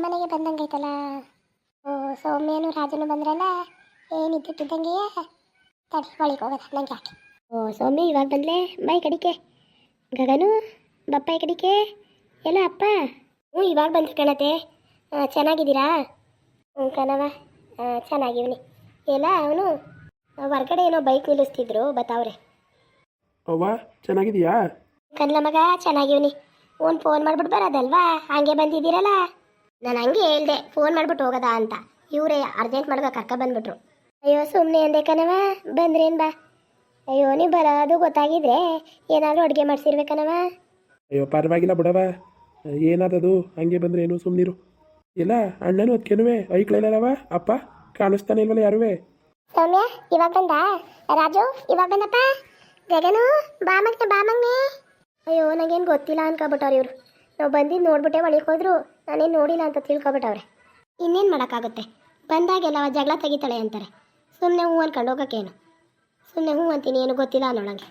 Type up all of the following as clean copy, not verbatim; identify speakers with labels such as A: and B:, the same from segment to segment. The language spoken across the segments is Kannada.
A: ನಮ್ಮನೆಗೆ ಬಂದಂಗೈತಲ್ಲ. ಓ ಸೌಮ್ಯನು ರಾಜನು ಬಂದ್ರಲ್ಲ, ಏನಿದ್ದಿಟ್ಟಿದ್ದಂಗೆ ತಡಿ ಒಳಗೆ ಹೋಗೋದ ನಂಗೆ ಯಾಕೆ. ಓ ಸೌಮ್ಯ ಇವಾಗ ಬಂದ್ಲೆ, ಬೈ ಕಡಿಕೆ. ಗಗನು ಬಪ್ಪ ಈ ಕಡಿಕೆ. ಎಲ್ಲ ಅಪ್ಪ. ಹ್ಞೂ ಇವಾಗ ಬಂತು ಕಣತೆ. ಚೆನ್ನಾಗಿದ್ದೀರಾ? ಹ್ಞೂ ಕಣವ, ಚೆನ್ನಾಗಿವ್ನಿ. ಎಲ್ಲ ಅವನು ಹೊರ್ಗಡೆ ಏನೋ ಬೈಕ್ ನಿಲ್ಲಿಸ್ತಿದ್ರು, ಬತ್ತಾವ್ರೆ.
B: ಅವ್ವ ಚೆನ್ನಾಗಿದೀಯಾ?
A: ಕನ್ಲ ಮಗ ಚೆನ್ನಾಗಿವ್ನಿ. ಫೋನ್ ಮಾಡ್ಬಿಟ್ಟು ಬರೋದಲ್ವಾ, ಹಂಗೆ ಬಂದಿದ್ದೀರಲ್ಲ. ನಾನು ಹಂಗೆ ಹೇಳ್ದೆ ಫೋನ್ ಮಾಡ್ಬಿಟ್ಟು ಹೋಗೋದಾ ಅಂತ. ಇವರೇ ಅರ್ಜೆಂಟ್ ಮಾಡ್ಕೊ ಬಂದ್ಬಿಟ್ರು. ಅಯ್ಯೋ ಸುಮ್ಮನೆ ಅಂದೆ ಕಣವ, ಬಂದ್ರೇನು ಬಾ. ಅಯ್ಯೋ ನೀವು ಬರೋದು ಗೊತ್ತಾಗಿದ್ರೆ ಏನಾದರೂ ಅಡುಗೆ ಮಾಡಿಸಿರ್ಬೇಕನವ.
B: ಅಯ್ಯೋ ಪರವಾಗಿಲ್ಲ ಬಿಡವ, ಏನಾದದು ಹಂಗೆ ಬಂದ್ರೆ ಏನು ಸುಮ್ಮನಿರು. ಇಲ್ಲ ಅಣ್ಣನು ಅದಕ್ಕೇನುವೆ ಐಕ್ಳಲ್ಲವ ಅಪ್ಪ ಕಾಣಿಸ್ತಾನೆ ಇಲ್ವಲ್ಲ ಯಾರುವೆ.
A: ಸೌಮ್ಯ ಇವಾಗ ಬಂದ, ರಾಜು ಇವಾಗ ಬಂದಪ್ಪ, ಗಗನು ಬಾಮಗ್ನೆ. ಅಯ್ಯೋ ನಂಗೇನು ಗೊತ್ತಿಲ್ಲ ಅನ್ಕೊಬಿಟ್ಟವ್ರು ಇವರು. ನಾವು ಬಂದಿದ್ದು ನೋಡ್ಬಿಟ್ಟೆ ಒಳಗೆ ಹೋದ್ರು, ನಾನೇನು ನೋಡಿಲ್ಲ ಅಂತ ತಿಳ್ಕೊಬಿಟ್ಟವ್ರೆ. ಇನ್ನೇನು ಮಾಡೋಕ್ಕಾಗುತ್ತೆ, ಬಂದಾಗೆಲ್ಲ ಜಗಳ ತೆಗಿತಾಳೆ ಅಂತಾರೆ. ಸುಮ್ಮನೆ ಹೂ ಅನ್ಕೊಂಡು ಹೋಗೋಕ್ಕೇನು, ಸುಮ್ಮನೆ ಹೂ ಅಂತೀನಿ, ಏನು ಗೊತ್ತಿಲ್ಲ ಅನ್ನೋಳಂಗೆ.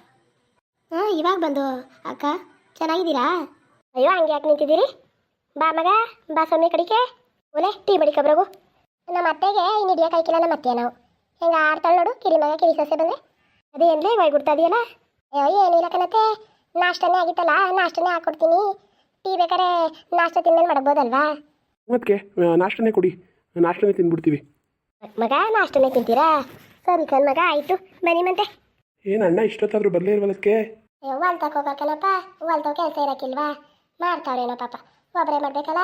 A: ಹಾಂ ಇವಾಗ ಬಂದು ಅಕ್ಕ ಚೆನ್ನಾಗಿದ್ದೀರಾ? ಅಯ್ಯೋ ಹಂಗೆ ಯಾಕೆ ನಿಂತಿದ್ದೀರಿ? ಬಾ ಮಗ, ಬಾ ಸೌಮ್ಯ ಕಡಿಕೆ. ಓಲೆ ಟೀ ಬಡಿ ಕಬ್ರಗು. ನಮ್ಮ ಅತ್ತೆಗೆ ಇನ್ನು ಹಿಡಿಯೋಕೆ ಆಯ್ಕಿಲ್ಲ ನಮ್ಮ ಅತ್ತೆ. ನಾವು ಹೆಂಗೆ ಆಡ್ತಾಳೆ ನೋಡು, ಕಿರಿ ಮಗ ಕಿರಿ ಸೊಸೆ ಬಂದೆ. ಅದೇ ಅಂದರೆ ಒಯ್ಬಿಡ್ತಾ ಇದೆಯಲ್ಲ. ಅಯ್ಯೋ ಏನಿಲ್ಲ ಕಣತ್ತೆ, ನಾಷ್ಟನೇ ಆಗಿತ್ತಲ್ಲ, ನಾಷ್ಟನೇ ಹಾಕ್ಕೊಡ್ತೀನಿ. ಟೀ ಬೇಕಾರೆ ನಾಷ್ಟ ತಿಂದ್ಮೇಲೆ ಮಾಡ್ಬೋದಲ್ವಾ?
B: ಅದಕ್ಕೆ ನಾಷ್ಟನೇ ಕೊಡಿ, ನಾಷ್ಟನೇ ತಿಂದ್ಬಿಡ್ತೀವಿ.
A: ಮಗ ನಾಷ್ಟನೇ ತಿಂತೀರಾ? ಸರಿ ಕಣ್ ಮಗ, ಆಯಿತು ಬನ್ನಿ ಮಂತೆ.
B: ಏನು ಅಣ್ಣ ಇಷ್ಟೊತ್ತಾದರೂ ಬರಲೇ ಇಲ್ವಲ್ಲಕ್ಕೆ?
A: ಅಯ್ಯೋ ಹೊಲ್ತಕ್ಕೆ ಹೋಗೋಕಲ್ಲಪ್ಪ, ಹೊಲ್ತವ್ ಕೆಲಸ ಇರೋಕ್ಕಿಲ್ವಾ? ಮಾಡ್ತಾವ್ರೇನೋ ಪಾಪ, ಒಬ್ಬರೇ ಮಾಡಬೇಕಲ್ಲ.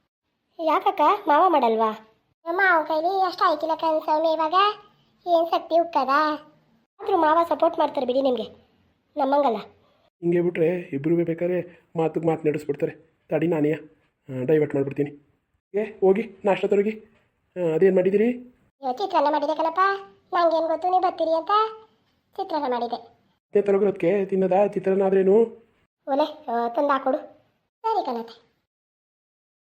A: ಯಾಕಕ್ಕ ಮಾವ ಮಾಡಲ್ವಾ? ಮಾವ ಕೈಲಿ ಅಷ್ಟು ಆಯ್ಕಿಲ್ಲ ಕನ್ಸವ್ನೆ. ಇವಾಗ ಏನು ಶಕ್ತಿ ಉಕ್ಕದ? ಆದರೂ ಮಾವ ಸಪೋರ್ಟ್ ಮಾಡ್ತಾರೆ ಬಿಡಿ ನಿಮಗೆ, ನಮ್ಮಂಗಲ್ಲ.
B: ಹಿಂಗೆ ಬಿಟ್ರೆ ಇಬ್ಬರು ಬೇಕಾದ್ರೆ ಮಾತಿಗೆ ಮಾತು ನಡೆಸ್ಬಿಡ್ತಾರೆ. ತಡಿ ನಾನೇ ಡೈವರ್ಟ್ ಮಾಡಿಬಿಡ್ತೀನಿ. ಹೋಗಿ ನಾಷ್ಟ ತೊರಗಿ. ಅದೇನು ಮಾಡಿದ್ದೀರಿ?
A: ಚಿತ್ರಾನ್ನ ಮಾಡಿದೆ ಕಣಪ್ಪ, ನಂಗೇನು ಗೊತ್ತು ನೀವು ಬರ್ತೀರಿ ಅಂತ. ಚಿತ್ರಾನ್ನ ಮಾಡಿದೆ.
B: ಅದೇ ತೊರಗಿರೋದಕ್ಕೆ ತಿನ್ನೋದಾ ಚಿತ್ರಾನ್ನ ಆದ್ರೇನು?
A: ಓಲೆ ತಂದು ಹಾಕೊಡು. ಸರಿ ಕಣತೆ.